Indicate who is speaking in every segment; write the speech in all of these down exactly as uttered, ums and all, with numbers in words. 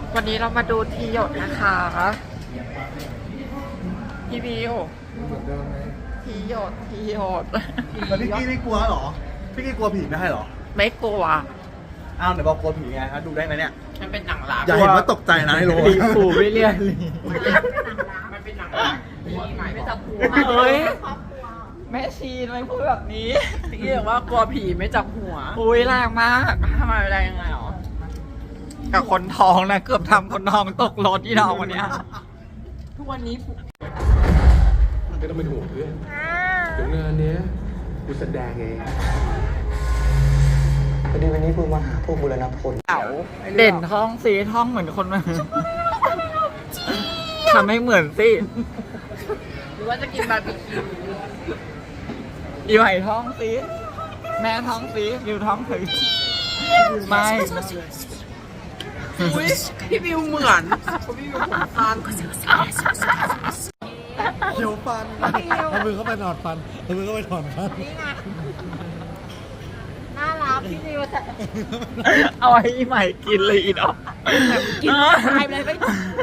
Speaker 1: วันนี้เรามาดูทีหยดนะคะพี่บิวทีหยดทีหยด
Speaker 2: แล้วพี่กี้ไม่กลัวเหรอพี่กี้กลัวผีไม่ใช่เหรอ
Speaker 1: ไม่กลัว
Speaker 2: อ้าวเดี๋ยวบอกกลัวผีไงฮะดูได้ไหมเนี่ย
Speaker 1: มันเป็นหนังรัก
Speaker 2: อย่าเห็นว่าตกใจนะไอ้โล
Speaker 1: ผีปู่ไม่เรียน
Speaker 3: มันเป็นหนังรักไม่จับหัว
Speaker 1: เฮ้ยแม่ชีทำไมพูดแบบนี้
Speaker 3: พี่บอกว่ากลัวผีไม่จับหัว
Speaker 1: อุ้ยแรงมากทำไมแรงยังไงหรอกับคนท้องนะเกือบทำคนท้องตกรถที่น้องวันเนี้ย
Speaker 3: ทุกวันนี้
Speaker 4: ไม่ต้องเป็นห่วงเพื่อนเดี๋ยวงานเนี้ยกูแสดงเอง
Speaker 5: พอดีวันนี้คุณมาหาพวกบุรณพล
Speaker 1: เต่าเด่นท้องสีท้องเหมือนคนมาทำให้เหมือนสิ
Speaker 3: หรือว่าจะกินบาร์บีคิว
Speaker 1: อีไหวท้องสีแม่ท้องสีบิวท้องถือไม่
Speaker 3: อุ้ยพี่บิวเหมือนพี่บิวผมสั้น
Speaker 2: เขียวฟันเอามือเข้าไปถอดฟันเอามือเข้าไปถอดฟัน
Speaker 6: น่ารักพี่นิวแต่
Speaker 1: เอาให้อีใหม่กินเลยอีดอก
Speaker 3: กินตายไปเลยไม่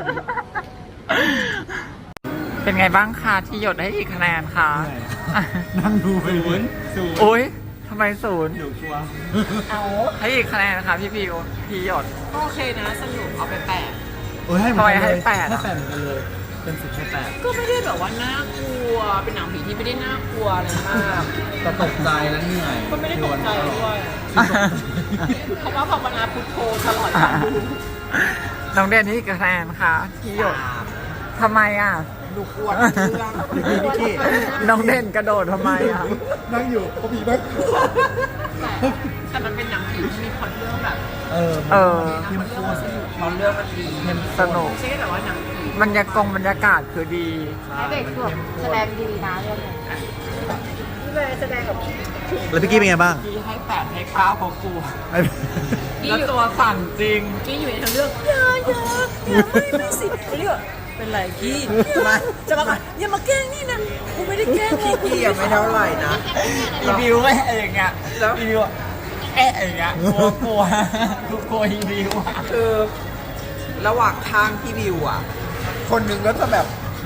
Speaker 1: เป็นไงบ้างคะที่หยดให้กี่คะแนนคะ
Speaker 2: นั่งดูไปศูนย์ศูนย์
Speaker 1: โอ้ยทำไมศูนย์
Speaker 2: เดี๋ยวกลัว
Speaker 1: ให้กี่คะแนนคะพี่บิวที่หยด
Speaker 3: โอเคนะสนุกเอาไปแปด
Speaker 2: โอ้ยให้
Speaker 1: ทำไมให้แปด
Speaker 2: ให้
Speaker 1: อะ
Speaker 2: แปดเหมือนกันเลยเป็นสิบให้แปด
Speaker 3: ก็ไม่ได้แบบว่าน่ากลัวเป็นหนังผีที่ไม่ได้น่ากลัวอะไรมาก
Speaker 2: แต่ตกใจแล้วเหนื่อย
Speaker 3: ก็ไม่ได้ตกใจด้วยเพราะว่าภาวนาพุทโธตลอดการดู
Speaker 1: น้องเด่นให้กี่คะแนนคะที่หยดทำไมอ่ะ
Speaker 3: ดูกวนเรื่อง
Speaker 2: พี่กี้
Speaker 1: น้องเด่นกระโดดทำไมอ่ะ
Speaker 2: นั่งอยู่เขาผีนั่ง
Speaker 3: แต่มันเป็นหนังผีที่มีพล็อตเรื่องแบบ
Speaker 2: เออ
Speaker 1: เออ
Speaker 3: เรื่องมันสนุกพล็อตเรื่องมันดี
Speaker 1: สนุก
Speaker 3: ไม่ใช่แต่ว่าหนังผี
Speaker 1: บรรยากาศบรรยากาศคือดี
Speaker 6: ให้เด็กสวมแสดงดีนะเรื่องนี้พี่เลยแสดงกับ
Speaker 2: แล้วพี่กี้เป็นไงบ้าง
Speaker 1: พี่ให้แปดให้เก้าเพราะกลัวแล้วตัวสั่นจริง
Speaker 3: กี้อยู่ในทางเรื่องอย่าอย่าอย่าไม่ไม่สิเรื่องเป็นไรกี้มาจะมาก่อนอย่ามาแกล้งนี่นะกูไม่ได้แกล้งพี่กี้ยังไม่เท่าไหร่นะ
Speaker 1: อีบิวก็เองอ่ะแล้วอีบิวแอะอย่างเงี้ยกลัวกลัวกลัวกลัวอีบิวอ่ะ
Speaker 3: คือระหว่างทางพี่บิวอ่ะ คนหนึ่งก็จะแบบ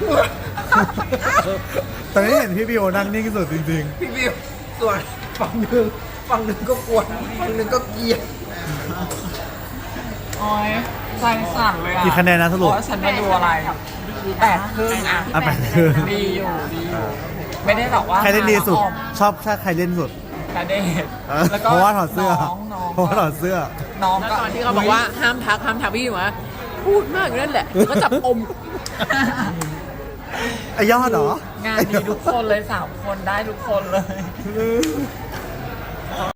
Speaker 2: แต่ไม่เห็นพี่บิวนั่งนิ่งสุดจริง
Speaker 3: พี่บิวส่วนฝั่งหนึ่งฝั่งหนึ่งก็กวนฝั่งหนึ่งก็เกลียด
Speaker 1: โอ้ยใจสั่นเลยอ่ะ
Speaker 2: กี่คะแนนนะสรุป
Speaker 1: เพราะฉันมาดูอะไรแปดครึ่งอ่ะ
Speaker 2: ๆอ่ะแปดคือ
Speaker 1: ดีอยู่ดีอยู่ไม่ได้บอกว่า
Speaker 2: ใครเล่นดีสุด ชอบถ้าใครเล่นสุด
Speaker 1: กระเดด
Speaker 2: เออ
Speaker 1: แล้วก็
Speaker 2: เพราะว่าถอดเสื้อ
Speaker 1: น้องน้อง
Speaker 2: เพราะว่าถอดเสื้อ
Speaker 1: น้อง
Speaker 3: แล้ว
Speaker 1: ก็
Speaker 3: ตอนที่เขาบอกว่าห้ามทักห้ามทักพี่บิวอะพูดมากอยู่นั่นแหละก็จับอม
Speaker 2: ไอยอดเหรอ
Speaker 1: งานดีทุกคนเลยสามคนได้ทุกคนเลย